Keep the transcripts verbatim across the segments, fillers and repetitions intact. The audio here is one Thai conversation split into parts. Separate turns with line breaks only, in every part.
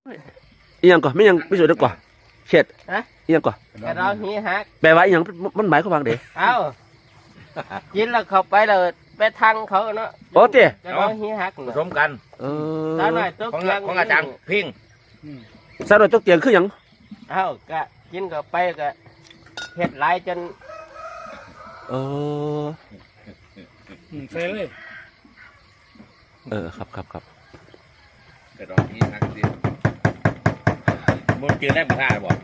อีหยังก่อนไม่ยังไม่สวยดีกว่าเช็ดอีหยังก่อน
กระดองหีหัก
แปลว่าอีหยังมันหมายความว่าไง
เอ้ากินแล้วเข้าไปแล้วไปทางเขาเนาะ
โอ้เจ๊
กระดองหีหัก
ผสมกัน
เออ
สาวหน่อยตัว
ของ
เกียง
ของอาจารย์พิง
สาวหน่อยตกเตียงคือหยัง
เอ้าก็กินเข้าไปก็เห็ดหลายจน
เออ
ใส่เลย
เออครับครับครับ
กระดองนี้นักดิบนเจอแรกมาท่าบอก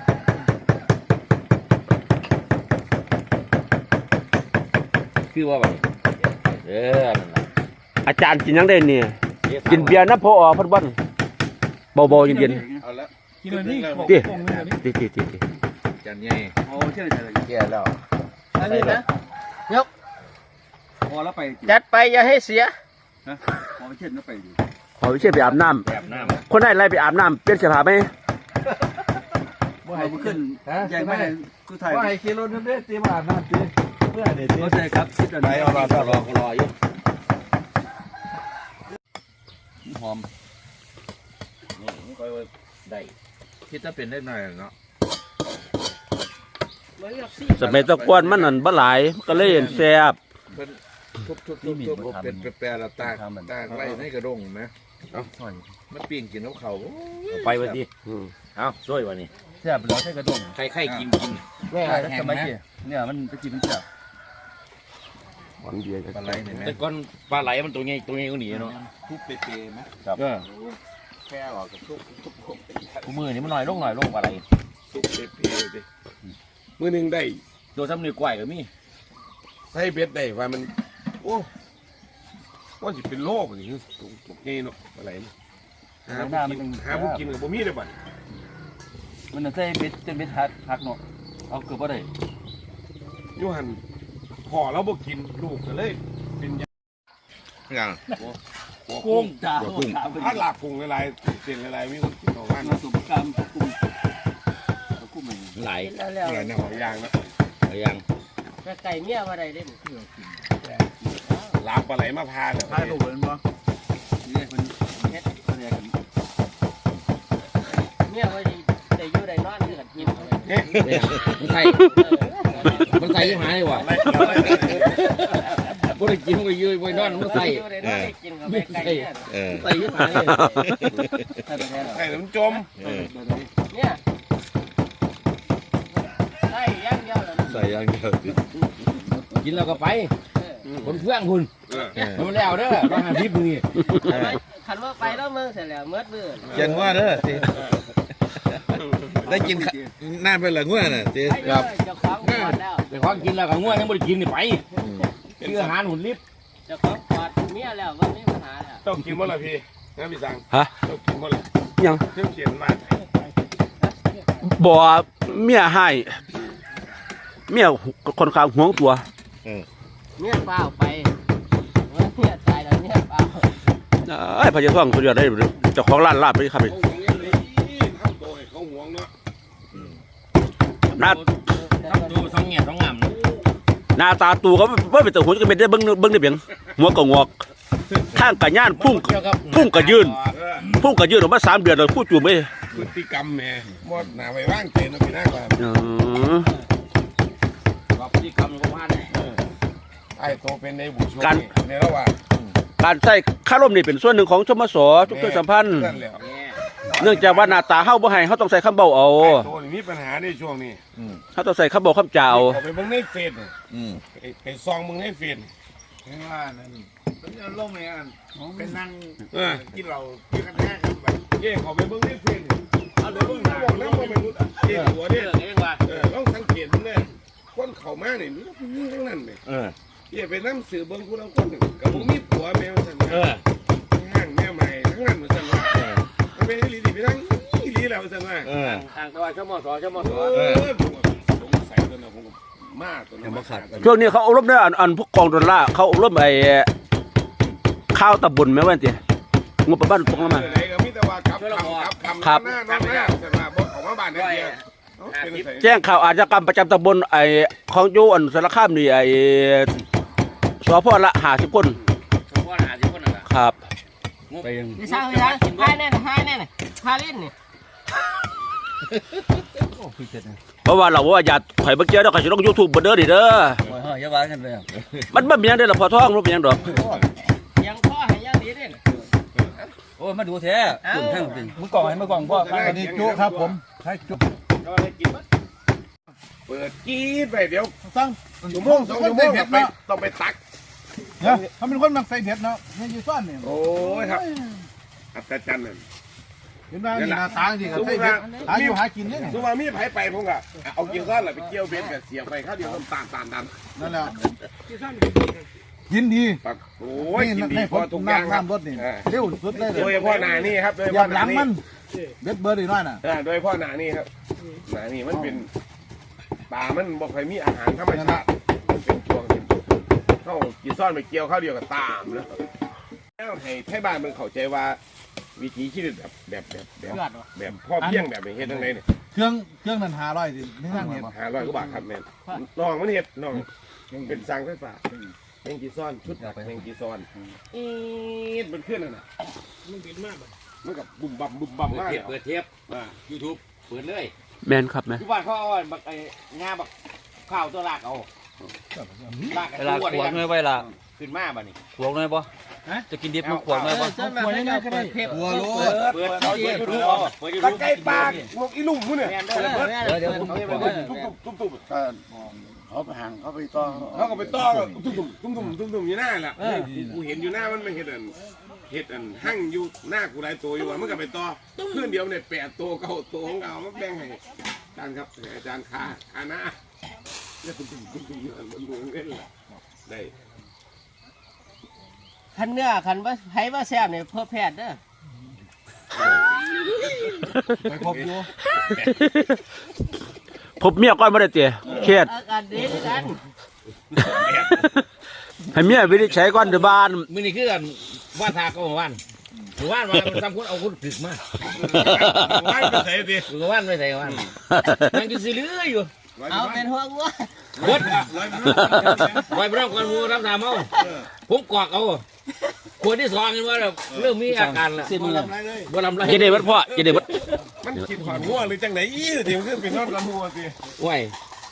คือว่าแบบเออ
อาจารย์กินยังได้เนี่ยกินเบียร์น้ำพออพัดวันเบาๆเย็น
ๆเอาละกินเลยนี่
ตีตีตีตีตี
จันใหญ่
โอ้เชื่อใจเลย
เกี่ยแล้ว
อันนี้นะยก
พอแล้วไป
จัดไปอย่าให้เสีย
นะพอเชื่อแล้วไปดู
ขอวิเชียรไปอาบน้ำคนได้ไล่ไปอาบน้ำเปลี่ยนเสื้อผ้าไหม
ว่าให้ขึ้นใหญ่ไม่คือไทย
ว่าให้ขี่รถนั่นเด้ตีมาอาบน้ำตีเพื่อเด็ด
เข้าใจครับคิดอะไร
รอรอรอรออยู่หอมนี่มันก็ได้คิดจะเป็นได้หน่อยเนาะ
สมัยตะกวนมันนั่นบ่หลายก็เลยเห็นแซ่บ
ทุบทุบทุบทุบเป็นแปรๆแล้วตากตากไล่ในกระด้งไหมเอ้ามันปีนกินน้ำเขาไปวันดีเอ้าช่วยวันนี้
แซ่บแล้วใช่กระด้ง
ใครใครกินกิน
แม่ทำไมเนี่ยเนี่ยมันไปกินมันแซ่บ
หวังดี
ปลาไหลแต่ก้อนปลาไหลมันตัวใหญ่ตัวใหญ่ก็หนีเนาะ
ทุบเปรี้ยไหม
ครับแค่หรอกทุบทุบทุบมือนี่มันหน่อยลงหน่อยลงปลาไหล
ทุบเปรี้ยดิมือหนึ่งได้
ตัวซ้ำนิ้วก้อยก็มี
ใส่เบ็ดได้ว่ามันโอ้ว่าจะเป็นโรคอย่างนี้ตกเงี้ยเนาะอะไรหาบุกินหาบุกินกับบ่มีได้บ่มันใส่เบ็ดเป็นเบ็ดหักหักเนาะเอาเกือบบ่ได้ยูหันพอแล้วบ่กินลูกก็เลยเป็น
ยัง
กุ้งจ้ากุ้งถ้าหลับกุ้งอะไรเสียงอะไรไม่รู้ต่อวันมาสุกกรรมกุ้งกุ้งมัน
ไหล
อะไรนะหอยยางนะ
หอยยาง
ไก่เมียมาได้เด่น
ลาบปลาไหลมาพาเลยพาลูกเลยมั้งนี่มันเฮ็ดอะไรกัน
เมียว่าได้อยู่ได้นอนคือกันกิน
มันใส่มันใส่ยังไงวะบ่ได้กินมันก็ยืดไว้นอนมันใส่
ไม่ใส่
ใส่ยังไง
ใส่น้ำจม
เนี่ยใส่ย่างเดียวเลย
ใส่ย่างเดียวกินแล้วก็ไปคนเพื่อนคุณมันแล้วเด้อมาหาทิพย์นี่
ขันว่าไปแล้วมึงเสร็จแล้วเมื่อมือ
เจนว่าเด้อสิได้กินน่าเป็นละง่วน่ะสิ
ครับจะคล้องก่อนแล้ว
จะคล้องกินแล้วก็ง่วยังไม่ได้กินนี่ไปคืออาหารหุ่นลิบ
จะคล้องกอดเมียแล้ววันนี้ปัญหาแล้ว
ต้องกินหมดละพี่นะพี่สัง
ฮะ
ต้องกินหมดละ
ยัง
เรื่องเขียนมา
บ่เมียให้เมียคนข้างห่วงตัว
เมียเปล่าไปเมียตายแล้วเมียเปล่า
ไอ้พญาท่องสุดยอดได้เจ้าของร้านลาบไปครับพี่หน้า
ดูสองเงี้ยสองงาม
หน้าตาตูก็ว่าเป็นตัวหัวจะเป็นได้เบิ้งเบิ้งได้เบียงหัวก็งอกข้างกับย่านพุ่งพุ่งกับยืนพุ่งกับยืนออกมาสามเดือนเลยพูดจูบไม่
พฤติกรรมแม่หมดหนาไปว่างเจนพี่น้าก่อน
พฤติกรรมของบ้าน
ไอ้โตเป็นในบุญการในระหว่าง
การใส่ข้าร่มนี่เป็นส่วนหนึ่งของชมสทุกเรื่องสัมพันธ์เนื่องจากว่าหน้าตาเฮาบ่ให้เฮาต้องใส่ข้ามเบาเอา
ตัวนี้มีปัญหาในช่วงนี้
เฮาต้องใส่ข้ามเบาข้ามจ่าเอา
ไปเบิ่งในเฟซไปซองมึงในเฟซ
ว่านั่นเป็นล่มเนี่ยเป็นนั่งกินเรากินกันแท้กันแบบ
เย่ขอไปเบิ่งในเฟซเอาเดี๋ยวเบิ่งหน้าบอกแล้วว่าไม่รู้เย่หัวเนี่ยต้องสังเกตมันเลยคนเข่ามาเนี่ยนี่เป็นยิ่งทั้งนั้นเลยเย่ไปน้ำสื่อเบิ่งผู้นำคนหนึ่งกับผมมีผัวแมวสั่นห้างแมวใหม่ทั้งนั้นเหมือนกันว่ามันเป็นลีดีไปทั้งลีแล้วสั่นว่า
ต่างตัวชั่วโมงสองชั่วโมงสอง
ผมใส่ตัวนั้นผมมากตัวนั้น
ช่วงนี้เขาอบรมได้อันอันพวกกองดอลลาร์เขาอบรมไอ้ข้าวตะบุญไหมวะเจ๊งบประมาณตรงนั้นมา
ครับ
แจ้งข่าวอาชญากรรมประจำตำบลไอ้ของยูอันสารคามนี่ไอ้สพละห้าสิบคน
สพละห้าสิบคน
ครับ
ไปยัง
ไม่ใช่ไม่ใช่ทายแน่น่ะทายแน่น่ะทายเล่นนี่
เพราะว่าเราว่าอย่าข่อยบ่เกี่ยวเด้อข่อยสิลง YouTube บ่เด้อนี่เด้อ
โอ้ยเฮ้ยอย่าว่ากันเลย
มันบ่มีหยังเด้อล่ะพอท้องบ่มีหยังดอก
ยังพ่อให้ยังดีเด้
โอ้ยมาดูแท้คุณทั้งจริงมึงกล่องให้มึงกล่องพ่อ
อันนี้จุครับผมใช่จุ
เปิดกีดไปเดี๋ยว
ตั้ง
ชั่วโมงสองชั่วโมงไปต้องไปตัก
เนี่ยเขาเป็นคนมักใส่เผ็ดเนาะเนี่ยอยู่ซ่อนเนี่ย
โอ้ยครับอัศจรรย์นั่น
เห็นไหมนี่หน้าตาจริงกับใส่เผ็ดหาอยู่หากินเนี่ย
สมมติมีไผไปผมก็เอาเกี่ยวก้อนแหละไปเกี่ยวเบ็ดกับเสียบไปข้าวเดียวต้มตาลตาลดัน
นั่นแหละกินดี
ปักโอ้ยกินดี
ให้
พ
ผ
อ
ม
ทุกอย่างครับ
น้ำรถนี่เร็วสุดเลย
โดยเฉพาะหนานี่ครับโดยเฉ
อย่า
พาะห
หลั
นาง นี่
มันเบ็ดเบอร์ดีน้อยน่ะ
โดยเฉพาะหนานี่ครับหนานี่มันเป็นป่ามันบอกใครมีอาหารธรรมชาติเป็นช่วงที่เข้ากินซ่อนไปเกี่ยวข้าวเดียวกับตามแล้วแล้วให้ไทยบ้านมันเข้าใจว่าวิถีชีวิตแบบแบบแบบแบบแบบพ่อเพียงแบบนี้เฮ็ดยังไงเนี่ย
เครื่องเครื่องนั้นหาร้อยสิไม่นั่งเห็น
หาร้อยกว่าบาทครับแม่น้องมันเฮ็ดน้องเป็นสั่งไฟฟ้าแมงกีซ้อนชุดแมงกีซ้อนอีดมันขึ้นน่ะมันบินมากมันกับบุ่มบั่มบุ่มบั่มมากเปิดเทปอ่ายูทูบเปิดเลย
แม่นครับแม่
ทุกวันเขาเอาบักไอ้งาบักข้าวตัวลากเอาลาก
เวลาขวดหน่อยไว้ละ
ขึ้นมาบ่นี่
ขวดหน่อยบ่จะกินดิบมันขวดหน่อยบ่
จนมาได้เปิดเทป
หัวโล
เปิดเขาเปิดยูทูบเปิดยู
ตะ
ทูบ
ไคร้ปากนกอีลุ่มมุ้นเนี่ย
เดี๋ยวเดี๋ยวผม
ตุ้มตุ้มตุ้มตุ้ม
เขาไปห่างเขาไปต่อ
เขาก็ไปต้อตุ้มตุ้มตุ้มตุ้มตุ้มตุ้มอยู่หน้าแหละกูเห็นอยู่หน้ามันไม่เห็นอันเห็ดอันหั่งอยู่หน้ากูหลายตัวอยู่อ่ะมันก็ไปต่อเพื่อนเดียวเนี่ยแปดตัวเก้าตัวของเรามันแบ่งให้อาจารย์ครับอาจารย์คาคาหน้าเนี่ยตุ้มตุ้มตุ้มตุ้มมันดูเล่นแหละได้
คันเนื้อคันว่าไผว่าแซ่บเนี่ยเพื่อแพทย์เด้อ
ไปพบอยู่
พบเมียก่อนบ่ได้เตะเครียด
อาการดีด้วยกัน
ให้เมียวินิจฉัยก่อนเด้อบ้าน
มื้อนี้คือกันว่าทาก็วันหรือว่านว่าทำคนเอาคนถึกมา
ว่านไปใส่ดิ
หรือว่านไม่ใส่ว่านมันก็สิเลืออยู่
เอาเป็นหัวงัว
กดไว้พร้อมกันมูรับน้ำเอาผมกอกเอาขวดที่สองเห็นว่าเริ่มมีอาการละบ่ลำไร
จะได้เบิดพ่อจะได้เบิด
มันกินขวานหัวหรือจังไหนอี้ทีมันขึ้นเป็นนอนลำหัวสิ
ไหว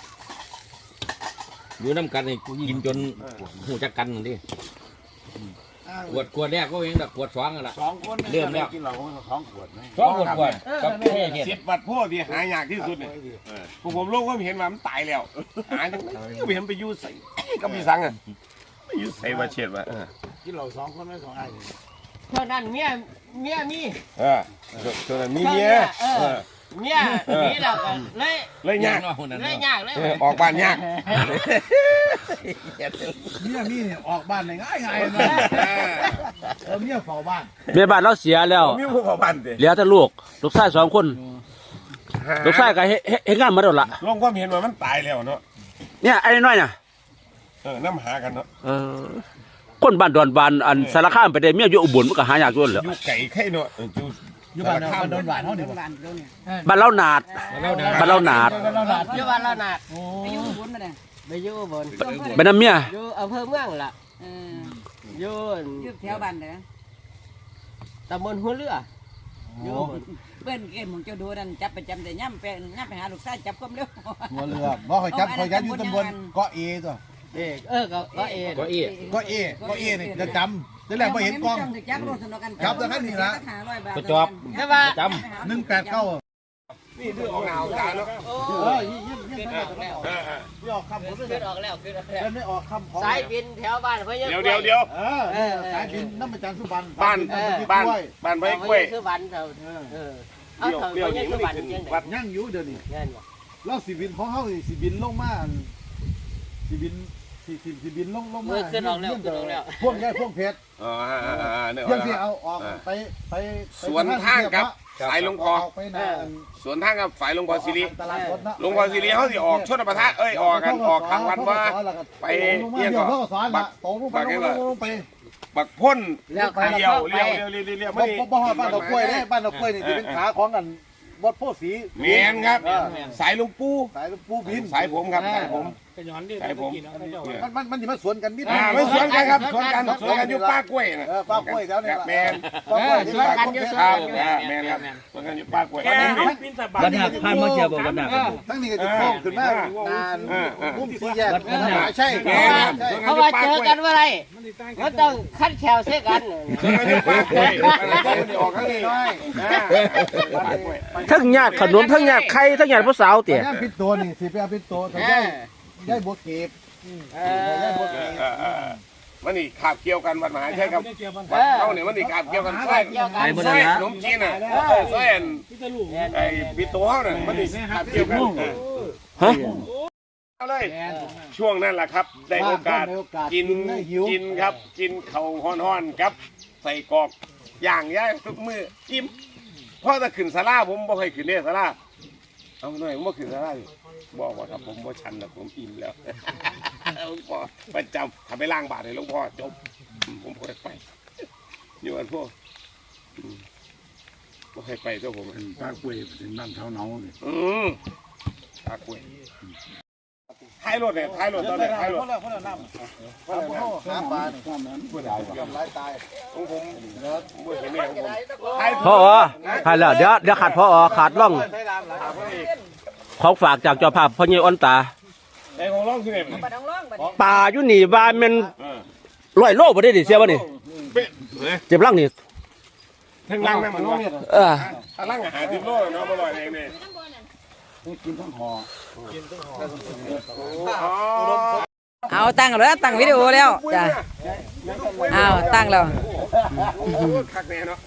อยู่น้ำกันนี่กินจนหูจักกันดิขวดขวดแรกก็เองแต่ขวดสองกันละ
สองคน
เริ่มแล้ว
กินเราท้องขวดไหม
สองขวดขวดกับเท่เห็ด
สิบวัดพ่อที่หายากที่สุดเนี่ยผมผมโลกว่าเห็นว่ามันตายแล้วหาจังไหนไม่เห็นไปยูใส่ก็มีสังอ่ะไม่ยูใส่มาเฉียดมา
กินเราสองคนไม่สองไอ้
เท่านั้นเมียเมียมี
เออส่วนนี้เมีย
เออเมียมีแล้วก็เลย
เลยยาก
เลยยากเลย
ออกบ้านยาก
เมียมีเนี่ยออกบ้านง่ายง่ายนะเออเมียเฝ้าบ้าน
เมียบ้านเราเสียแล้ว
มีผู้ขอบ้านเด้
เหลือแต่ลูกลูกชายสองคนลูกชายก็เฮ็ดเฮ็ดเฮ็ดงานมาแล้วล่ะ
ลงความเห็นว่ามันตายแล้วเนาะ
เนี่ยไอ้น้อยน่ะ
เออน้ำหากันเนาะ
เออคนบ้านดอนบานอันสารคามไปได้เมียอยู่อุบลมันก็หายากอยู่นั่นแหล้ว
อยู่ไก่ไข่เนาะอยู่
อยู่บ้านเราโดนหวานเขาเนี่ย
บ้านเราหนาดบ้านเราหนาด
อยู่บ้านเราหนัก
ไปอยู่บนมาเนี่ย
ไปอยู่บน
ไปน้ำเมีย
อยู่อำเภอเมืองล่ะ
เออ
อยู่
อยู่แถวบ้านเด้อ
ตำบลหัวเรืออยู่บน
เปิ้นเกมของเจ้าดูนั่นจับประจำแต่ย่ำไปย่ำไปหาลูกชายจับความเร็ว
หัวเรือบ่คอยจับคอยจับอยู่ตำบลเกาะเอตัว
เอกเออก็ก็เอก
ก็อี
เกาะเอเกาะเอนี่จะจำแต่แรกพอเห็นกล้อง
จับรถสนุกกัน
จับแต่ขั้นนี้ละ
ก็จอบ
ใช่ป่ะ
จ
หนึ่งแปดเก้า
นี่ดื้อออกหนาวตาเนาะ
เออยี่ยี่ยี่ไม่ออกแล้วไม่ออกคำผมไม่
ขึ้นออกแล้วขึ้นออกแล้ว
ไม่ออกคำของ
สายบินแถวบ้านพะยะ
เดี๋ยวเดี๋ยวเดี๋ยว
เออสายบินน้ำประจันสุบัน
บ้านบ้านบ้านไว้กล้วย
คือวันเท่าเออเอา
เดี๋ยว
เท่า
เดี๋ยว
พะ
นี้
ยะ
มั
คื
น
อวัน
ขึ้นวัด
ยังไง
ย่างอยู่เดี๋ยวนี้
เงี้ยบ่
เราสีบินของเขาสีบินลงมาสีบินสีสีสีบินลงลง
เอ
มา
อขึ้นออกแล้วขึ้นออกแล้ว
พ่วงใหญ่พ่วงเพชร
อ๋อเนี่ย
ยังที่เอาออกไปไป
สวนทางกับสายหลวงพ่อ
ไปนา
สวนทางกับฝ่ายหลวงพ่อสิริ
ตลาดรถนะ
หลวงพ่อสิริเขาสิออกชนประทะเอ้ยออกกันออกทางวันว่าไป
เอี
เอี
ย
ย
ง
ง
ก็
ก็
สอน
บั
ละ
ก
โตลงไปลงไป
บักพ่น
แล้วไป
เลี้ยวเลี้ยวเลี้ยวเลี้ยวเลี้ยว
บ่
ไม่
บ่บ่ฮอดบ้านดอกกล้วยเด้บ้านดอกกล้วยนี่สิเป็นขาของกันบดโพสี
เมียนครับ สายหลวงปู่
สายปูบิน
สายผมครับสายผม
กระยอนดิ
ใช่ผม
มันมันมันจะมาสวนกันนิด
อ่าไม่สวนกันครับสวนกันสวนกันอยู่ป้ากล้วยนะ
เออป้ากล้วยแล้วเนี่ย
แมน
ป้ากล้วยที่ป้ากล้วย
ครับแมนครับสวนกันอยู่ป้ากล้วย
วันหักผ่านมาเชียร์บอกวันหัก
ทั้งนี้ก็จะโค้งขึ้นมานานมุมสี่แยกใช่
แมนครับสวน
เพ
กัน
ราะ
อยู่
ว่า
ป้า
เจ
กล้วย
อกันเมื่อไรมันต้องคัดแขวเสียกัน
สวนกันอยู่ป้ากล้วยอะไรก็ไม่ได้ออกข้างนี้ป้ากล้วย
ทั้งญาติขนมทั้งญาติไข่ทั้งญาติผู้สาวเตี่ย
ย่าปิดตัวนี่สิไปเอาปิดตัวกันได้ได้บัวเก็บได้บัวเก็บ
มันนี่ขาบเกี่ยวกันวัดมหาชัยครับวัดเขาเนี่ยมันนี่ขาบเกี่ยวกันใช่ใช่ขนมจีนอ่ะใช่ไอ้ปิโต้เขาเนี่ยมันนี่ขาบเกี่ยวกัน
ฮะ
เอาเลยช่วงนั้นแหละครับ ได้โอกาสกินกินครับ กินเข่าฮ้อนๆครับ ใส่กอกย่างย่างทุกมืออิ่มเพราะถ้าขึ้นสลาผมบ่เคยขึ้นเนี่ยสลาเอาหน่อยผมบ่ขึ้นสลาบอกว่าครับผมบ่ชันแต่ผมอิ่มแล้วหลวงพ่อประจำทำไปล้างบาตรให้หลวงพ่อจบผมบ่เคยไปอยู่อันพวกบ่เคยไปตัวผม
ป้ากล้วยเป็นบ้านเท้าเนาเลย
อืมตากล้วยท้ายรถเนี่ยท้ายรถตอนนี้ท้ายรถ
หาปลาเนี่ยผู้ใดทำร้ายตาย
ของผมบ่เห็นเนี่ยของผมท้าย
พ่ออ๋อขาดแล้วเดี๋ยวเดี๋ยวขาดพ่ออ๋อขาดร่องของฝากจากเจ้าภาพพ่อเยี่ยอ้นตา
ไอ้ของร้องคือไง
บ่ต้องร้องบัดนี้
ปลาอยู่นี่ว่าแมันร้อยโลบ่ได้ดิเสียบ่นี่เจ็บร่างนี่
ทั้งล่างนั่นมันว่า
เออ
ถ้าล่างอาหารสิบโลเนาะบ่ลอยเองเนี่ย
เอาตั้งแล้วตั้งวิดีโอแล้วจ้ะเอาตั้งแล้ว
คักแน่เนาะ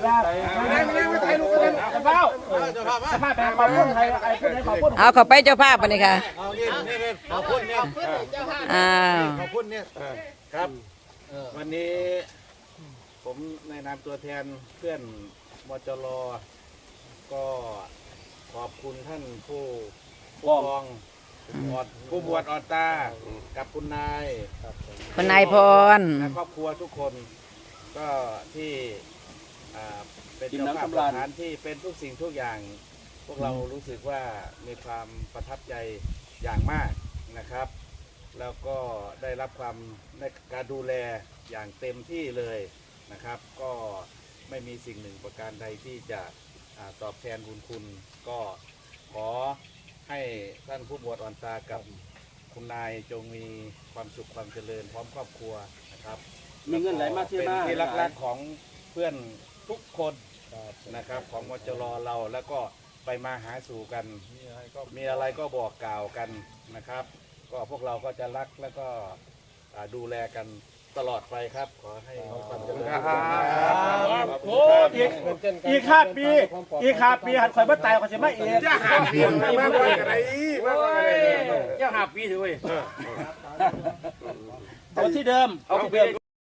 เอาเข้าไปเจ้าภาพบัดนี้ค่ะ
เอานี่นี่นี่ขอบคุณเนี่ย
อ้าว
ขอบคุณเนี่ยครับวันนี้ผมในนามตัวแทนเพื่อนมจรก็ขอบคุณท่านผู้ปกครองออดผู้บวชออดตากับคุณนาย
คุณนายพร
และครอบครัวทุกคนก็ที่อ่าเป็นเจ้าภาพสถานที่เป็นทุกสิ่งทุกอย่าง พวกเรารู้สึกว่ามีความประทับใจอย่างมากนะครับ แล้วก็ได้รับความในการดูแลอย่างเต็มที่เลยนะครับ ก็ไม่มีสิ่งหนึ่งประการใดที่จะอ่าตอบแทนบุญคุณ ก็ขอให้ท่านผู้บวชอ่อนตากับคุณนายจงมีความสุขความเจริญพร้อมครอบครัวนะครับ
มีเงินไหลมาเที่ยว
เป็น
มา
ที่รักๆของเพื่อนทุกคนนะครับของมจรเราแล้วก็ไปมาหาสู่กัน มีอะไรก็บอกกล่าวกันนะครับ ก็พวกเราก็จะรักแล้วก็อ่าดูแลกันตลอดไปครับ ขอให้ความเจริญ
โอ้อีกอีกห้าปีอีกห้าปีหันข่อยบ่ตายข่อยสิมาเอง
จะหาเพียงมากกว่าอะไรมากกว่าอะไร
เจ้าหาปีถือเว้ย
เอาที่เดิม
เอาที่เดิม